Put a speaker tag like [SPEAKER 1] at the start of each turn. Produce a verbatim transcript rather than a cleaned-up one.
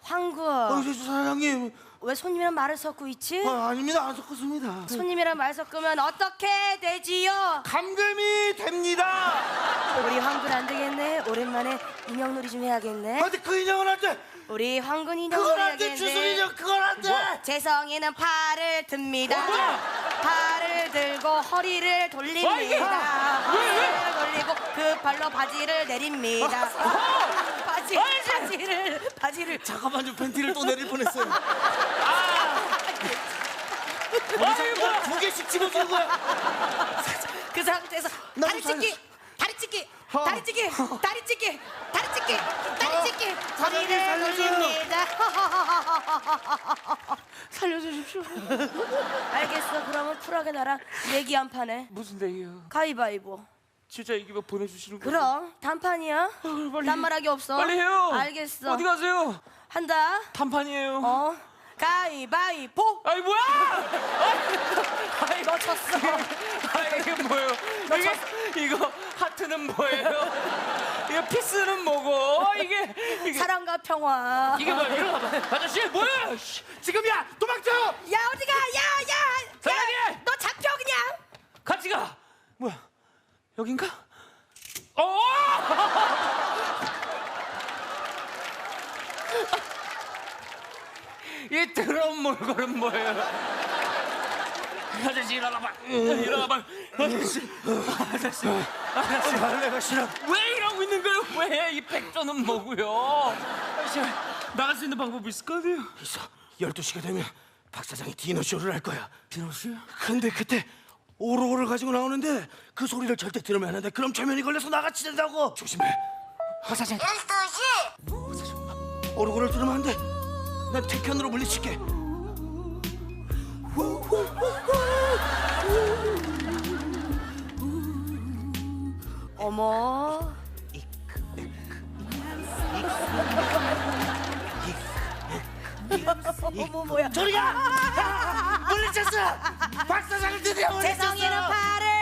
[SPEAKER 1] 황군.
[SPEAKER 2] 어, 저, 저 사장님.
[SPEAKER 1] 왜 손님이랑 말을 섞고 있지?
[SPEAKER 2] 아, 아닙니다. 안 섞었습니다.
[SPEAKER 1] 손님이랑 말 섞으면 어떻게 되지요?
[SPEAKER 2] 감금이 됩니다.
[SPEAKER 1] 우리 황군 안 되겠네. 오랜만에 인형놀이 좀 해야겠네.
[SPEAKER 2] 아, 근데 그 인형은 안 돼.
[SPEAKER 1] 우리 황군
[SPEAKER 2] 그건
[SPEAKER 1] 인형놀이
[SPEAKER 2] 안 돼.
[SPEAKER 1] 해야겠네.
[SPEAKER 2] 주술 인형 그건 안 돼.
[SPEAKER 1] 재성이는 팔을 듭니다.
[SPEAKER 2] 뭐야?
[SPEAKER 1] 팔을 들고 허리를 돌립니다. 허리를 돌리고 그 발로 바지를 내립니다. 바지, 바지를 바지를
[SPEAKER 2] 잠깐만 좀 팬티를 또 내릴 뻔했어요.
[SPEAKER 3] 아이고,
[SPEAKER 2] 두 개씩 집어주는 거야.
[SPEAKER 1] 그 상태에서
[SPEAKER 2] 나도
[SPEAKER 1] 다리 찢기, 다리 찢기,
[SPEAKER 2] 어.
[SPEAKER 1] 다리 찢기, 다리 찢기, 다리 찢기, 다리 찢기,
[SPEAKER 2] 사장님,
[SPEAKER 1] 허리를
[SPEAKER 2] 살려줘요.
[SPEAKER 1] 돌립니다. 살려주십시오. 알겠어. 그러면 쿨하게 나랑 얘기 한 판해.
[SPEAKER 3] 무슨 얘기요?
[SPEAKER 1] 가위바위보.
[SPEAKER 3] 진짜 이기면 보내주시는 거예요?
[SPEAKER 1] 그럼 단판이야.
[SPEAKER 3] 빨리.
[SPEAKER 1] 딴말하기 없어.
[SPEAKER 3] 빨리 해요.
[SPEAKER 1] 알겠어.
[SPEAKER 3] 어디 가세요?
[SPEAKER 1] 한다.
[SPEAKER 3] 단판이에요.
[SPEAKER 1] 어. 가위바위보.
[SPEAKER 3] 아이 뭐야? 아이
[SPEAKER 1] 너 쳤어.
[SPEAKER 3] 아 이게 뭐예요? 이게 이거 하트는 뭐예요? 이거 피스는 뭐고? 이게 이게
[SPEAKER 1] 사랑과 평화.
[SPEAKER 3] 이게 뭐야? 일어나봐. 아저씨 뭐야? 씨.
[SPEAKER 2] 지금이야. 도망쳐.
[SPEAKER 1] 야 어디가? 야 야.
[SPEAKER 3] 사장님!
[SPEAKER 1] 야, 너 잡혀 그냥.
[SPEAKER 3] 같이 가. 뭐야? 여긴가? 어! 이 더러운 몰골은 뭐예요? 아저씨 일어나봐. 일어나봐. 아저씨. 아저씨. 아저씨.
[SPEAKER 2] 발레가 싫어.
[SPEAKER 3] 왜 이러고 있는 거예요? 왜? 이 백조는 뭐고요? 아저씨 나갈 수 있는 방법이 있을 거 아니에요?
[SPEAKER 2] 있어. 열두 시가 되면 박 사장이 디너쇼를 할 거야.
[SPEAKER 3] 디너쇼요?
[SPEAKER 2] 근데 그때 오로오를 가지고 나오는데 그 소리를 절대 들으면 안 돼. 그럼 최면이 걸려서 나같이 된다고. 조심해. 박 사장.
[SPEAKER 4] 열두 시.
[SPEAKER 2] 오로오를 들으면 안 돼. 난 태편으로 물리칠게.
[SPEAKER 1] 어머. 어머 뭐야?
[SPEAKER 2] 저리가! 물리쳤어! 박 사장을 드디어 물리쳤어!
[SPEAKER 1] 재성이는 팔을